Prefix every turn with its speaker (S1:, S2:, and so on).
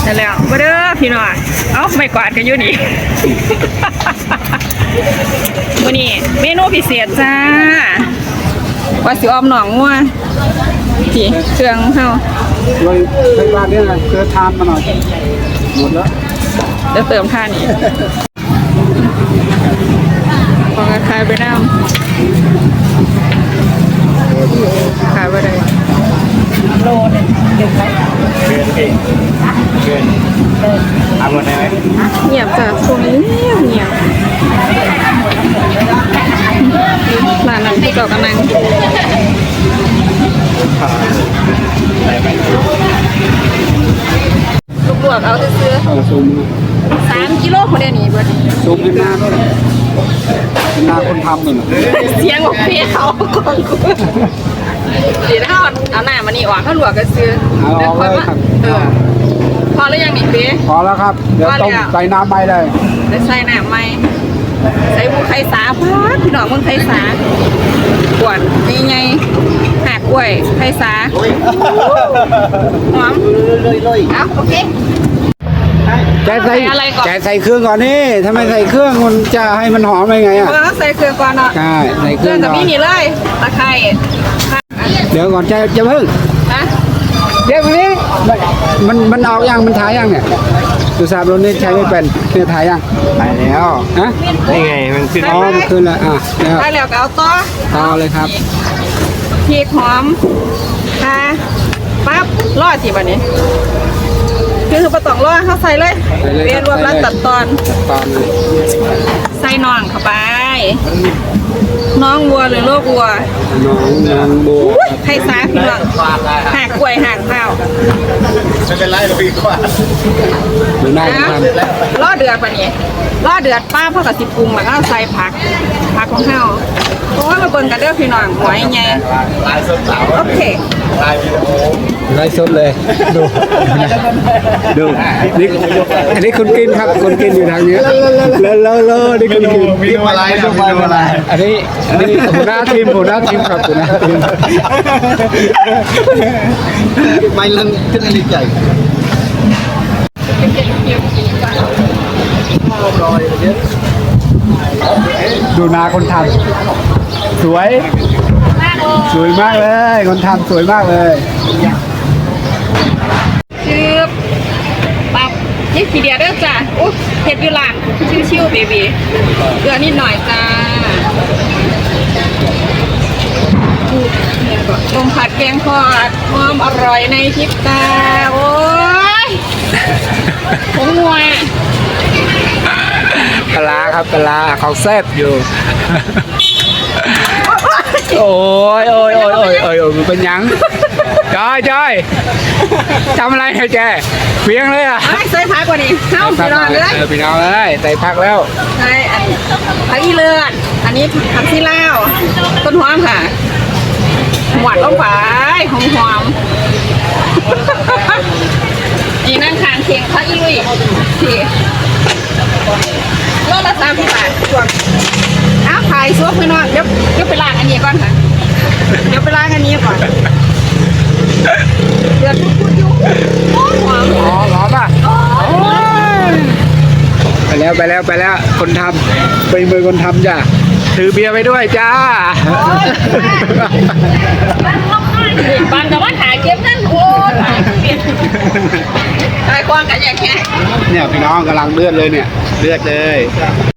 S1: นั่นแล้วมาเด้อพี่น้องเอ้าไม่กวาดกันอยู่นี่ วันนี้เมนูพิเศษจ้าว่าสิออมหนองงัวที่เครื่องเฮา
S2: เลยในบ้านนี้นะเกิดทานมาหน่อยหมดแล้ว
S1: จะเติมท่านี้พอกระคายไปน้ำขายไปได้โลนึงเก็บไว้
S3: เกินเอาหมดได้ไหม
S1: เงียบจ้ะช่วงนี้เงียบร้านนั้นที่เก่ากันนั่ง
S3: ได้ไหม
S1: ลูกบวกเอาซื้อ
S2: เอาซูม
S1: 3 กิโลคนเดียวนี้เบิด
S2: ซูมให้หน้าด้วยเป็นหน้าคนทำเลย
S1: เสียงของพี่เขาก่อนกูเดี๋ยวถ้าเอาหน้ามานี่ออกถ้าหลวกก็ซื้อ
S2: เอาเลยครับ
S1: พอแล้วยังนี่พี่
S2: พอแล้วครับเดี๋ยวต้มใส่น้ำไปเลย
S1: ได้ใส่น้ำไหมใส่บุไข่สาพัดพี่น้องมึงไข่สากวนนี่ไงหักกล้วยไข่สาหอมเอาโอเค
S2: แกใส่
S1: อะไรก่อน
S2: แกใส่เครื่องก่อนนี่ถ้าไม่ใส่เครื่องมันจะให้มันหอมได้ไงอ่ะ
S1: ใส่เครื่องก่อนเนาะ
S2: ใช่ใส่เค
S1: เค
S2: รื่
S1: รื่
S2: อ
S1: อง งกับ
S2: ก่อน
S1: พี่นี่เลยตะไคร้
S2: เดี๋ยวก่อนจะเพิ่ง
S1: นะ
S2: เดี๋ยวนี้มันออกยังมันถ่ายยังเนี่ยดูสาบรถนี่ใช้ไม่เป็นเนี่ยถ่ายยัง
S3: ไปแล้ว
S2: ฮะ
S3: นี่ไงมันขึ้น
S2: อ๋อมันขึ้นแล้วอ่ะแล้ว
S1: ได้แล้วก็เอาต่อ
S2: ต่อเลยครับ
S1: พริกหอมค่ะปั๊บรอดสิบันนี้คือประตองรอดเขาใส่เลยเรียนรวมแล้วตัดตอน
S2: ตอนเลย
S1: ใส่น่องเข้าไป น้องวัวหรือลูกวัว
S2: น้องนางโบ
S1: ไข่สาพี่น้องหักกล้วยหักข้าว
S3: ไม่เป็นไรเราพี่กว่า
S2: ดูหน้า
S1: นะ
S2: ทำ
S1: รอดเดือดปะนี้รอดเดือดป้าพ่อกับสิปรุงแล้วก็ใส่ผักของข้าวโอ้ยมาเบิ่งกันเด้อพี่น้องหัวใหญ่
S3: ลายส้มสาว
S1: โอเค
S3: ลายวิดีโอ
S2: ไล่สดเลยดูดูนี่อันนี้คุณกินครับคุณกินอยู่ทางนี้แล้วนี่คุณกิน
S3: วิดีโออะไรนะวิดีโออะไร
S2: อันนี้หัวหน้าทีมครับหัวหน้าทีม
S3: ไม่เล่นขึ้นอะไรใหญ่
S2: ดูนาคนทำสวยสวยมากเลยคนทำสวยมากเลย
S1: ชื่อปั๊บนี่ขีเดียเด้อจ้ะอุ๊ยเฮ็ดอยู่ร้านชิวๆเบบีเกลือนิดหน่อยจ้าต้มผัดแกงทอดหอมอร่อยในพริบตาโอ้ยผงงัว
S2: ปลาครับปลาเขาแซ่บอยู่ โอ้ยมันเป็นยังจอยทำอะไรให้แกเพียงเลยอ่ะ
S1: ไอ้ใส่ผักกว่านี้เข้าพี่น้องเลย
S2: พี่น้องเลยใส่ผักแล้ว
S1: ใช่อันผักอีเลือดอันนี้ผักซีลาวต้นหอมค่ะหวานลงไปหอมๆนี่นั่งทานเคียงผักอีลุยที่โลละ30 บาทช่วงอ้าวถ่ายซุปพี่น้องเดี๋ยวไปล้างอันนี้ก่อนค่ะเดี๋ยวไปล้างอันนี้ก่อนเดือดพุดๆอยู่หอม
S2: หอมป่ะไปแล้วคนทำเป็นมือคนทำจ้ะถือเบียร์ไปด้วยจ้า
S1: บางแต่ว่าถ่ายเก็บนั่นโอ้ยไอ้ควางกันอย่างเงี้ย
S2: เนี่ยพี่น้องกำลังเลือดเลยเนี่ยเลือดเลย